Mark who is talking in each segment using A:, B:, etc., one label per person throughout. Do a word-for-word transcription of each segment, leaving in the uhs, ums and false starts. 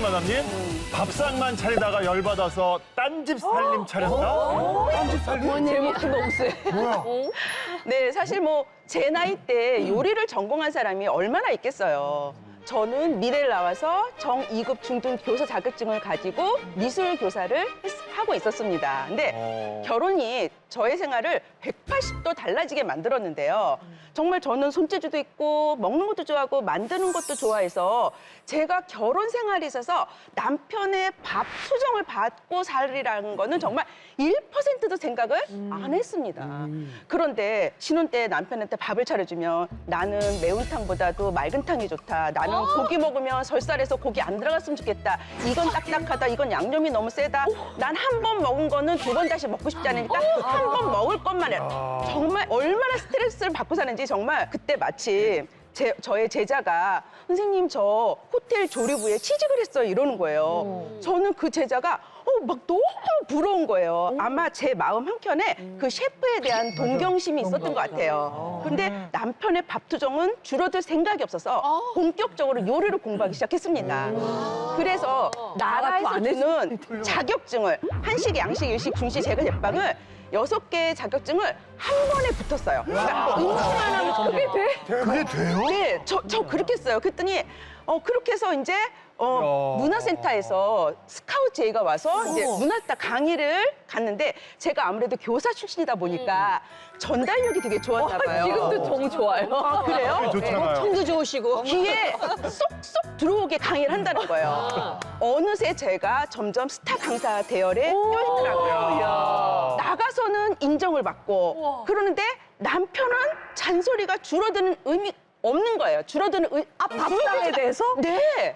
A: 마담님, 밥상만 차리다가 열받아서 딴집 살림 차렸다? 딴집 살림?
B: 제목도 너무 세.
A: 뭐야?
C: 네, 사실 뭐 제 나이 때 요리를 전공한 사람이 얼마나 있겠어요. 저는 미래를 나와서 정 이 급 중등 교사 자격증을 가지고 미술 교사를 했- 하고 있었습니다. 근데
A: 어.
C: 결혼이 저의 생활을 백팔십 도 달라지게 만들었는데요. 정말 저는 손재주도 있고 먹는 것도 좋아하고 만드는 것도 좋아해서 제가 결혼 생활에 있어서 남편의 밥 수정을 받고 살이라는 거는 정말 일 퍼센트도 생각을 안 했습니다. 그런데 신혼 때 남편한테 밥을 차려주면 나는 매운탕보다도 맑은탕이 좋다. 나는 고기 먹으면 설살에서 고기 안 들어갔으면 좋겠다. 이건 딱딱하다. 이건 양념이 너무 세다. 난 한 번 먹은 거는 두 번 다시 먹고 싶지 않으니까 한 번 먹을 것만 해라. 정말 얼마나 스트레스를 받고 사는지 정말 그때 마침 제, 저의 제자가 선생님 저 호텔 조리부에 취직을 했어요 이러는 거예요. 저는 그 제자가 어, 막 너무 부러운 거예요. 아마 제 마음 한켠에 그 셰프에 대한 동경심이 있었던 것 같아요. 근데 남편의 밥투정은 줄어들 생각이 없어서 본격적으로 요리를 공부하기 시작했습니다. 그래서 나라에서 주는 자격증을 한식, 양식, 일식, 중식, 제과, 제빵을 여섯 개의 자격증을 한 번에 붙었어요. 그러니까 음식만 하면 그게 돼?
A: 그게 돼요?
C: 네, 저, 저 그렇게 했어요. 그랬더니 어 그렇게 해서 이제 어
A: 야.
C: 문화센터에서 스카우트 제의가 와서 이제 문화센터 강의를 갔는데 제가 아무래도 교사 출신이다 보니까 전달력이 되게 좋았나 봐요.
B: 지금도 정 좋아요.
C: 아, 그래요?
A: 좋잖아요.
B: 청도 좋으시고.
C: 귀에 쏙쏙 들어오게 강의를 한다는 거예요. 어느새 제가 점점 스타 강사 대열에 껴있더라고요. 나가서는 인정을 받고 그러는데 남편은 잔소리가 줄어드는 의미 없는 거예요. 줄어드는 의... 아,
B: 밥상에 대해서?
C: 네.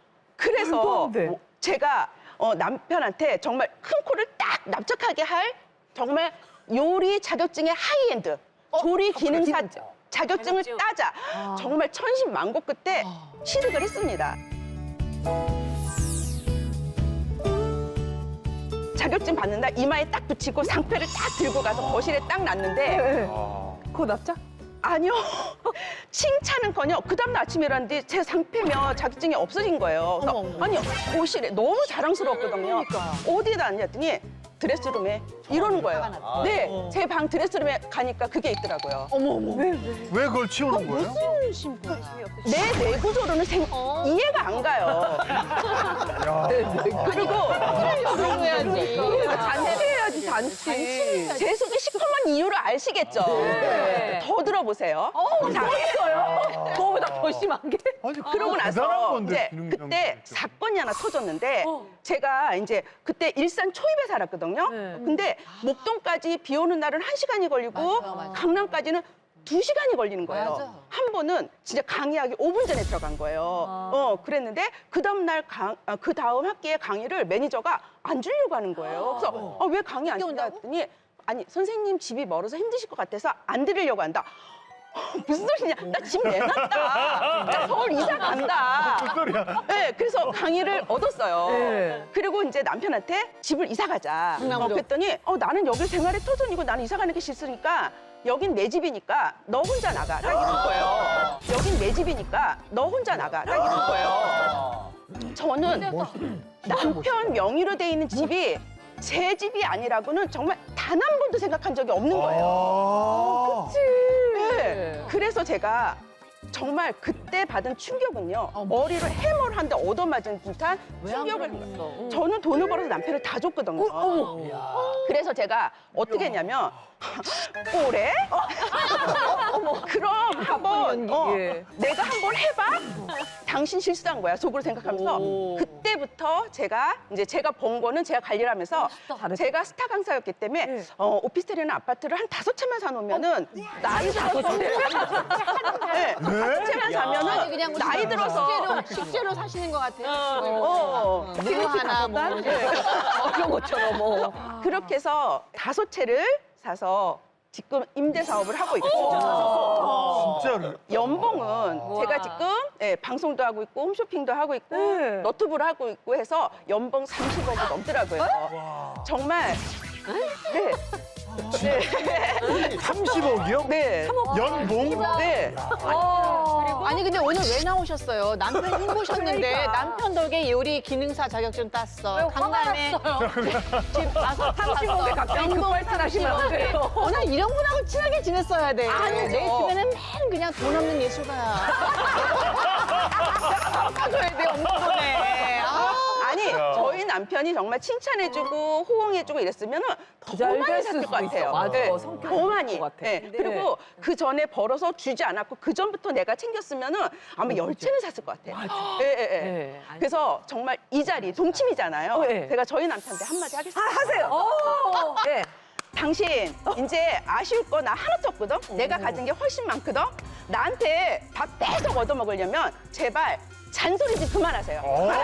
C: 그래서
B: 안 돼.
C: 뭐 제가 어, 남편한테 정말 큰 코를 딱 납작하게 할 정말 요리 자격증의 하이엔드 조리 기능사 자격증을 따자. 정말 천신만고 끝에 취득을 했습니다. 자격증 받는 날 이마에 딱 붙이고 상패를 딱 들고 가서 거실에 딱 놨는데
B: 그거 납작?
C: 아니요. 칭찬은커녕 그 다음날 아침에 일어났는데 제 상패며 자격증이 없어진 거예요. 그래서 아니 거실에 너무 자랑스러웠거든요. 어디에다 놨냐 했더니 드레스룸에 이러는 거예요. 네, 제 방 드레스룸에 가니까 그게 있더라고요.
B: 어머 어머. 왜 왜?
A: 왜 그걸 치우는 거예요?
C: 내 내구조로는 생, 이해가 안 가요. 그리고
B: 해야지.
C: 잔치해야지 잔치. 제 속에 시커먼 이유를 아시겠죠? 더 들어보세요. 자,
B: 있어요? 그거보다 더 심한 게?
A: 아니,
C: 그러고
A: 그거 대단한
C: 나서
A: 건데,
C: 이제
A: 기능
C: 그때
A: 장치.
C: 사건이 하나 터졌는데 제가 이제 그때 일산 초입에 살았거든요.
B: 네.
C: 근데 목동까지 비 오는 날은 한 시간이 걸리고 강남까지는 두 시간이 걸리는 거예요. 한 번은 진짜 강의하기 오 분 전에 들어간 거예요. 어, 그랬는데 그 다음 날 강, 아, 그 다음 학기의 강의를 매니저가 안 주려고 하는 거예요. 그래서 어, 왜 강의 안 준다 했더니 아니 선생님 집이 멀어서 힘드실 것 같아서 안 드리려고 한다. 무슨 소리냐? 나 집 내놨다. 나 서울 이사 간다.
A: 무슨 소리야?
C: 네, 그래서 강의를 얻었어요.
B: 네.
C: 그리고 이제 남편한테 집을 이사 가자. 어, 그랬더니 어, 나는 여기 생활의 터전이고 나는 이사 가는 게 싫으니까 여긴 내 집이니까 너 혼자 나가. 딱 이런 거예요. 여긴 내 집이니까 너 혼자 나가. 딱 이런 거예요. 저는 남편 명의로 돼 있는 집이 제 집이 아니라고는 정말 단 한 번도 생각한 적이 없는 거예요.
A: 아.
C: 네. 그래서 제가 정말 그때 받은 충격은요. 머리를 해머를 한 대 얻어맞은 듯한 충격을 한 거예요. 저는 돈을 벌어서 남편을 다 줬거든요. 그래서 제가 어떻게 했냐면 올해 그럼 한번 어,
B: 예.
C: 내가 한번 해봐. 당신 실수한 거야 속으로 생각하면서 그때부터 제가 이제 제가 번 거는 제가 관리를 하면서 제가 스타 강사였기 때문에 어, 오피스텔이나 아파트를 한 다섯 채만 사놓으면은 나이 들어서 네, 다섯 채만 사면은
D: 그냥
C: 나이 들어서
D: 식재료, 식재료 사시는 것 같아요.
C: 어,
D: 무 하나 뭐
B: 이런 것처럼 뭐.
C: 그렇게 해서 다섯 채를 사서 지금 임대 사업을 하고 있고
A: 진짜로?
C: 연봉은 제가 지금 예, 방송도 하고 있고 홈쇼핑도 하고 있고
B: 네.
C: 너튜브를 하고 있고 해서 연봉 삼십억이 넘더라고요. 정말 네.
A: 삼십억이요?
C: 네.
A: 연봉?
C: 네.
D: 아니 근데 오늘 왜 나오셨어요? 남편 힘보셨는데 남편 덕에 요리 기능사 자격증 땄어. 강남에 집 와서
B: 삼십억에 갑자기 급발진하시면 안 돼요.
D: 오늘 이런 분하고 친하게 지냈어야 돼.
C: 아니죠.
D: 내 주변엔 맨 그냥 돈 없는 예술가야. 깎아줘야 돼, 엄청네. 아.
C: 아니 저희 남편이 정말 칭찬해주고 호응해주고 이랬으면은 더
B: 잘
C: 많이
B: 됐을
C: 샀을
B: 수도
C: 것 같아요.
B: 있어. 맞아.
C: 네,
B: 성격이
C: 더 많이.
B: 그럴 것 같아.
C: 네.
B: 네.
C: 그리고 그 전에 벌어서 주지 않았고 그 전부터 내가 챙겼으면은 아마 열 채는 샀을 것 같아요. 예, 예, 예.
B: 네, 아니.
C: 그래서 정말 이 자리 동침이잖아요.
B: 어, 예.
C: 제가 저희 남편한테 한마디 하겠습니다.
B: 하세요. 오, 네.
C: 당신 이제 아쉬울 거 나 하나도 없거든. 내가 가진 게 훨씬 많거든. 나한테 밥 계속 얻어 먹으려면 제발 잔소리 좀 그만하세요.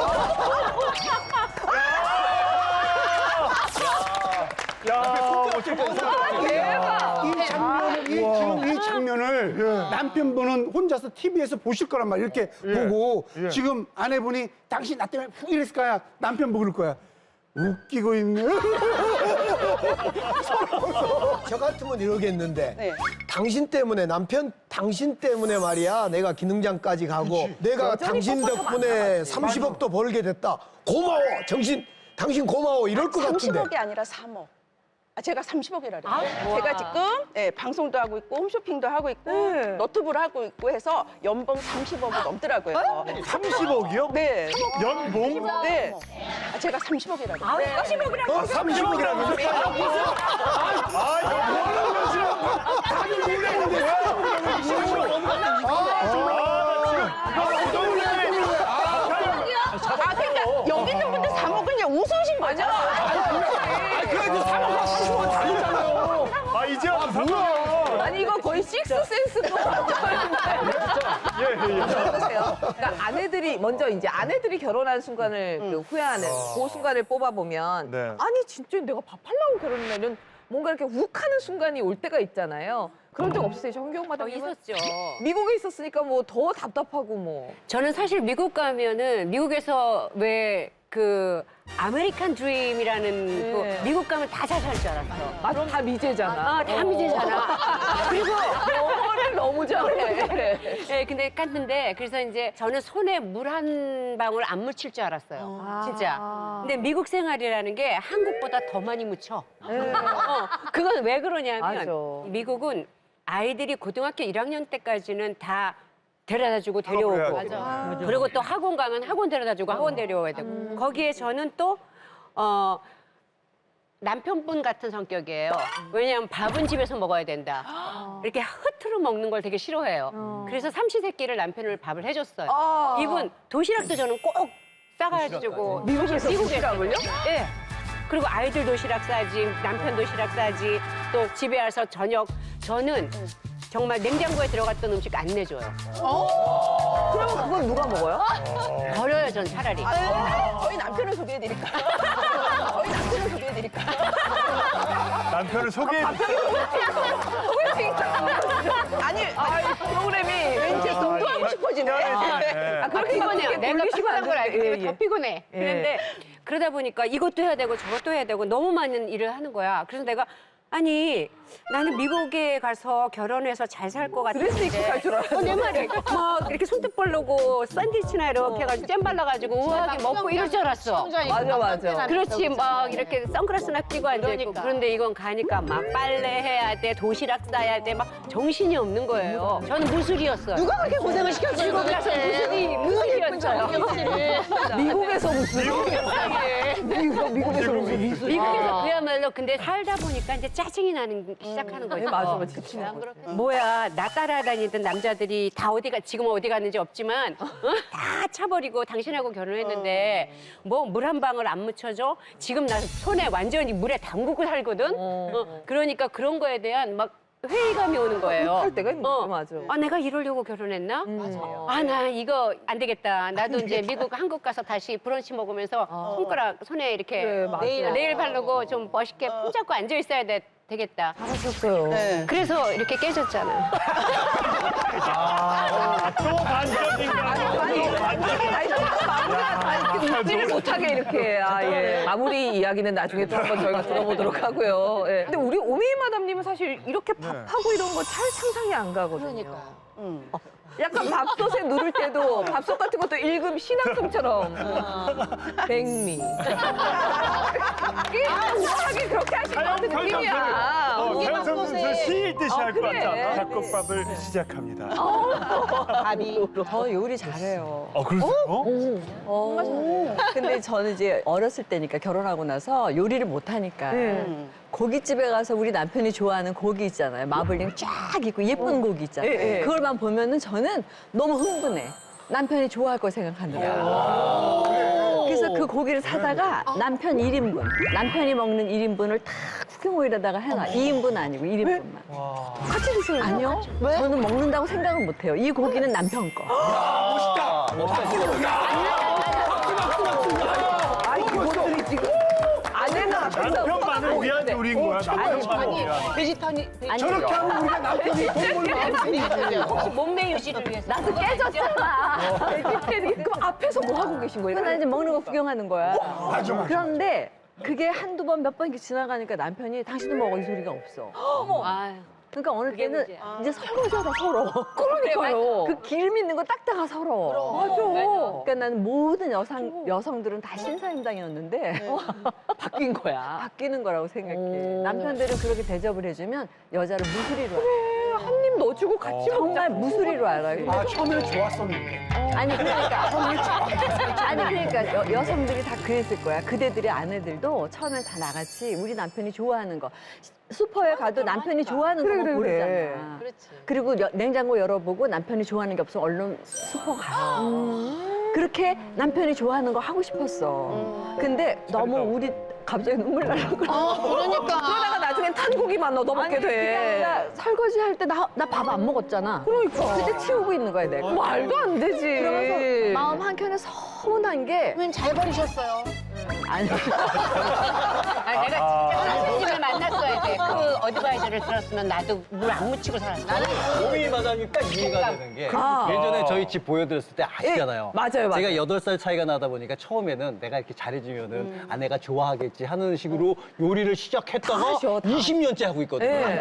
A: 야, 어쨌든
B: 대박.
E: 이 장면을, 이, 지금 이 장면을 남편분은 혼자서 티비에서 보실 거란 말이야. 이렇게 보고
A: 예.
E: 지금 아내분이 당신 나 때문에 푹 이랬을 거야. 남편 보고 그럴 거야. 웃기고 있네.
F: 저 같으면 이러겠는데
C: 네.
F: 당신 때문에 남편 당신 때문에 말이야 내가 기능장까지 가고 내가 당신 덕분에 삼십억도 벌게 됐다 고마워 정신 당신 고마워 이럴 것 같은데
C: 삼십억이 아니라 삼억. 아, 제가 삼십억이라 그래요. 제가 지금 예, 방송도 하고 있고 홈쇼핑도 하고 있고
B: 네.
C: 너튜브를 하고 있고 해서 연봉 삼십억이 넘더라고요.
A: 삼십억이요?
C: 네.
A: 연봉?
C: 네. 아, 제가 삼십억이라 그래요.
B: 삼십억이라고.
F: 어, 삼십억이라고
C: 아, 그러니까 여기 있는 분들 삼억 그냥 웃으신 거죠?
F: 그래도 삼억과 삼십억은 다르잖아요
A: 아, 이제 와서 뭐야?
B: 아니 이거 거의 식스센스도
A: 예, 예, 예.
B: 그러니까 아내들이 먼저 이제 아내들이 결혼한 순간을 그 후회하는 그 순간을 뽑아보면
A: 네.
B: 아니 진짜 내가 밥 하려고 결혼했냐면 뭔가 이렇게 욱하는 순간이 올 때가 있잖아요. 그런 적 없으세요, 정경 마담님은?
G: 있었죠.
B: 미국에 있었으니까 뭐 더 답답하고 뭐.
G: 저는 사실 미국 가면은 미국에서 왜 그 아메리칸 드림이라는
B: 네.
G: 그 미국 가면 다 잘 살 줄 알았어.
B: 맞아, 다 미제잖아.
G: 아, 다 미제잖아. 그리고
B: 영어를 너무 잘해.
G: 예, 근데 깠는데 그래서 이제 저는 손에 물 한 방울 안 묻힐 줄 알았어요. 진짜. 근데 미국 생활이라는 게 한국보다 더 많이 묻혀.
B: 네.
G: 어, 그건 왜 그러냐면
B: 맞아.
G: 미국은 아이들이 고등학교 일 학년 때까지는 다 데려다주고 데려오고
A: 맞아.
G: 그리고 또 학원 가면 학원 데려다주고 학원 데려와야 되고 거기에 저는 또 어, 남편분 같은 성격이에요. 왜냐하면 밥은 집에서 먹어야 된다. 이렇게 흐트러 먹는 걸 되게 싫어해요. 그래서 삼시세끼를 남편을 밥을 해줬어요.
B: 아.
G: 이분 도시락도 저는 꼭 싸가지고
B: 미국에서 도시락을요?
G: 예. 그리고 아이들 도시락 싸지, 남편 도시락 싸지, 또 집에 와서 저녁 저는 정말 냉장고에 들어갔던 음식 안 내줘요.
B: 그러면 그걸 누가 먹어요?
G: 버려요, 전 차라리.
C: 저희 남편을 소개해드릴까요? 저희 남편을 소개해드릴까요?
A: 남편을 소개해
C: 아니,
B: 아, 프로그램이
C: 왠지 돈도 하고 싶어지네.
A: 예.
G: 아, 그렇게 피곤해요. 내가 피곤한 걸 알기 때문에
B: 예, 예.
G: 더 피곤해.
B: 예.
G: 그런데 그러다 보니까 이것도 해야 되고 저것도 해야 되고 너무 많은 일을 하는 거야. 그래서 내가 아니 나는 미국에 가서 결혼해서 잘 살 것 같은데
B: 드레스 입고 살 줄 알았는데.
G: 어, 내 말이 막 이렇게 손톱 벌르고 샌드위치나 이렇게 해가지고 잼 발라가지고 우아하게 먹고 이럴 줄 알았어.
B: 맞아, 맞아.
G: 그렇지 막 이렇게 선글라스나 끼고 앉아있고
D: 그러니까.
G: 그런데 이건 가니까 막 빨래해야 돼 도시락 싸야 돼 막 정신이 없는 거예요. 저는 무술이었어요.
D: 누가 그렇게 고생을 시켰어요?
G: 미국 가서 무술이 무술이었어요.
B: 미국에서 무슨 미국, 미국에서 무슨 미술.
G: 미국에서 그야말로 근데 살다 보니까 이제 짜증이 나는 시작하는 거죠.
B: 네, 맞아, 맞아. 지치는 거죠.
G: 뭐야 나 따라다니던 남자들이 다 어디가 지금 어디 갔는지 없지만 어? 다 차버리고 당신하고 결혼했는데 뭐 물 한 방울 안 묻혀줘? 지금 나 손에 완전히 물에 담그고 살거든. 어, 그러니까 그런 거에 대한 막 회의감이 오는 거예요.
B: 할 때가 있는
G: 어.
B: 거 맞아.
G: 아 내가 이러려고 결혼했나? 아 나 이거 안 되겠다. 나도 이제 미국 한국 가서 다시 브런치 먹으면서 손가락 손에 이렇게
B: 그래, 맞아.
G: 네일, 네일 바르고 좀 멋있게 품 잡고 앉아 있어야 돼, 되겠다.
B: 하셨어요.
C: 네.
G: 그래서 이렇게 깨졌잖아.
A: 아, 또 반전인가? 또 반전.
B: 아니, 아무나 다 이렇게 잡지를 못하게 이렇게 아, 예. 마무리 이야기는 나중에 또 한번 저희가 들어보도록 하고요. 예. 근데 우리 오메이 마담님은 사실 이렇게 밥하고 이런 거 잘 상상이 안 가거든요.
D: 그러니까.
C: 음.
B: 약간 밥솥에 누를 때도 밥솥 같은 것도 일금 신앙송처럼 백미. 이게 우아하게 그렇게 하실 것 같은 느낌이야.
A: 어, 사연성분을 시 읽듯이 할 것
B: 그래.
A: 같아. 잡곡밥을 시작합니다.
D: 밥이.
H: 저 요리 잘해요.
A: 어, 그러세요?
H: 어, 근데 저는 이제 어렸을 때니까 결혼하고 나서 요리를 못 하니까
C: 음.
H: 고깃집에 가서 우리 남편이 좋아하는 고기 있잖아요. 마블링 쫙 있고 예쁜 고기 있잖아요.
B: 예, 예.
H: 그걸만 보면은 저는 너무 흥분해. 남편이 좋아할 거 생각하느라. 그래서 그 고기를 사다가 남편 일 인분, 남편이 먹는 일 인분을 다 쿠킹오일에다가 해놔. 이 인분 아니고 일 인분만.
B: 같이 드셔요.
H: 아니요. 저는 먹는다고 생각은 못 해요. 이 고기는 남편 거.
B: 아니, 이것들이 지금 아내는 앞에서
A: 남편만을 위한 요리인 거야. 남편만을
D: 아니,
A: 위한.
D: 베지터니.
H: 아니,
E: 저렇게 하면 우리가 남편이 돈벌 마음이
D: 혹시 몸매 유지를 위해서.
H: 나도 깨졌잖아.
B: 베지테리. 그럼 앞에서 뭐 하고 계신 거예요?
H: 그건 나 이제 먹는 거 구경하는 거야.
E: 맞아, 맞아.
H: 그런데 그게 한두 번 몇 번 이렇게 지나가니까 남편이 당신도 먹어 이 소리가 없어.
G: 아유.
H: 그러니까 어느
G: 그게
H: 때는
G: 문제야.
H: 이제 설거지하다 서러워.
B: 그러니까요.
H: 그 기름 있는 거 닦다가 서러워.
B: 맞아.
H: 그러니까 나는 모든 여성, 여성들은 다 신사임당이었는데
B: 바뀐 거야.
H: 바뀌는 거라고 생각해.
B: 오.
H: 남편들은 그렇게 대접을 해주면 여자를 무수리로 알아.
B: 한 입 넣어주고 같이
H: 정말
B: 먹자.
H: 무수리로 알아요.
E: 아, 처음에는 좋았었는데.
H: 아니 그러니까 아니 그러니까 여, 여성들이 다 그랬을 거야. 그대들의 아내들도 처음엔 다 나같이 우리 남편이 좋아하는 거 슈퍼에 가도 남편이 좋아하는
B: 그래,
H: 거
B: 그래,
H: 고르잖아.
B: 그래.
D: 그렇지.
H: 그리고 여- 냉장고 열어보고 남편이 좋아하는 게 없으면 얼른 슈퍼 가요. 그렇게 남편이 좋아하는 거 하고 싶었어. 근데 너무 우리 갑자기 눈물 나려고 그래.
D: 그러니까.
B: 그러다가 나중엔 탄 고기만 넣어 먹게
H: 아니, 그게
B: 돼.
H: 아니라 설거지 할 때 나 나 밥 안 먹었잖아.
B: 그러니까.
H: 그때 치우고 있는 거야 내가.
B: 말도 안 되지.
H: 그러면서 마음 한켠에 서운한 게
D: 그러면 잘 버리셨어요.
H: 아니
G: 아니, 내가 진짜 선생님을 만났어야 돼. 그 어드바이저를 들었으면 나도 물 안 묻히고 살았어. 나는
I: 오미 마담이 딱 이해가 되는 게
B: 아.
I: 예전에 저희 집 보여드렸을 때 아시잖아요.
B: 예, 맞아요, 맞아요.
I: 제가 여덟 살 차이가 나다 보니까 처음에는 내가 이렇게 잘해주면은 아내가 좋아하겠지 하는 식으로 요리를 시작했다가
B: 다 하셔, 다.
I: 이십 년째 하고 있거든요.
B: 네.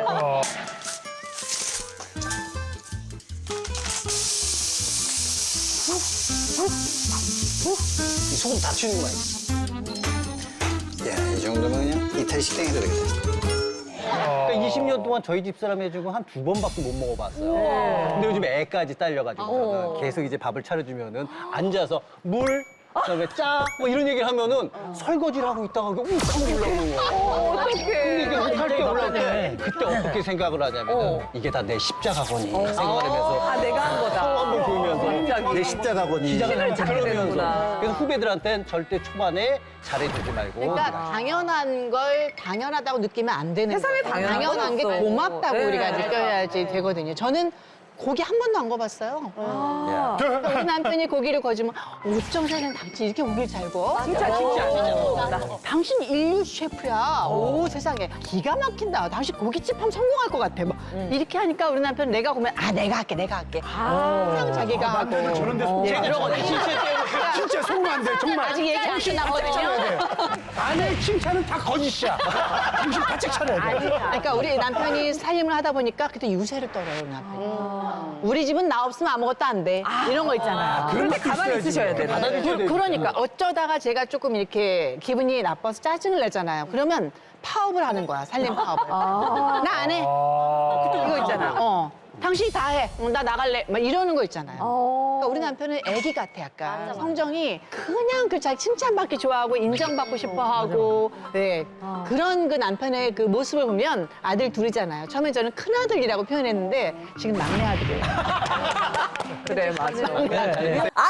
I: 이 소금 다 튀는 거야.
J: 야, 이 정도면 그냥 이탈 식당에도 되겠다.
I: 그러니까 이십 년 동안 저희 집 사람 해주고 한 두 번밖에 못 먹어봤어요. 근데 요즘 애까지 딸려가지고 계속 이제 밥을 차려주면은 앉아서 물, 그다음에 짜, 뭐 이런 얘기를 하면은 설거지를 하고 있다가 욱하고 올라오는 거예요. 근데 이게 욱할 때 올라올 때 그때 어떻게 생각을 하냐면은 이게 다 내 십자가거니 생각을 하면서
B: 아, 내가 한 거다.
I: 서로 한번 보면서
B: 갑자기.
I: 내 십자가거니
B: 힘을 찾게
I: 그러면서
B: 되는구나.
I: 그래서 후배들한테는 절대 초반에 잘해주지 말고
D: 그러니까 당연한 걸 당연하다고 느끼면 안 되는
B: 세상에
D: 거예요.
B: 당연한 건
D: 게
B: 없어.
D: 고맙다고
B: 네.
D: 우리가 느껴야지 되거든요. 저는 고기 한 번도 안 구워봤어요.
B: 아.
D: 그러니까 우리 남편이 고기를 구워주면 어쩜 세상 당신 이렇게 고기를 잘 구워?
B: 진짜 진짜.
D: 당신 인류 셰프야. 오 세상에 기가 막힌다. 당신 고깃집 하면 성공할 것 같아. 막 이렇게 하니까 우리 남편 내가 보면 아 내가 할게 내가 할게. 항상 자기가 하고.
E: 남편은 저런 데 속지
D: 예, 그러거든요.
E: 진짜 속으면 안 돼, 정말.
D: 아직 얘기 안 끝나거든요.
E: 아내의 칭찬은 다 거짓이야. 당신 바짝 차려야 돼.
D: 그러니까 우리 남편이 살림을 하다 보니까 그때 유세를 떨어요, 우리 남편이. 우리 집은 나 없으면 아무것도 안 돼. 이런 거 있잖아요.
B: 그럴 때 가만히 있으셔야 돼.
I: 받아주셔야 돼요.
D: 그러니까 어쩌다가 제가 조금 이렇게 기분이 나빠서 짜증을 내잖아요. 그러면 파업을 하는 거야, 살림 파업을. 나 안 해. 이거 있잖아. 어. 당신이 다 해. 어, 나 나갈래. 막 이러는 거 있잖아요. 그러니까 우리 남편은 애기 같아, 약간. 성정이 그냥 그 자기 칭찬받기 좋아하고 인정받고 싶어 하고. 네. 그런 그 남편의 그 모습을 보면 아들 둘이잖아요. 처음에 저는 큰아들이라고 표현했는데 지금 막내 아들이에요.
B: 그래, 맞아.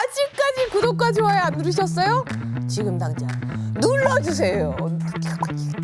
K: 아직까지 구독과 좋아요 안 누르셨어요? 지금 당장 눌러주세요.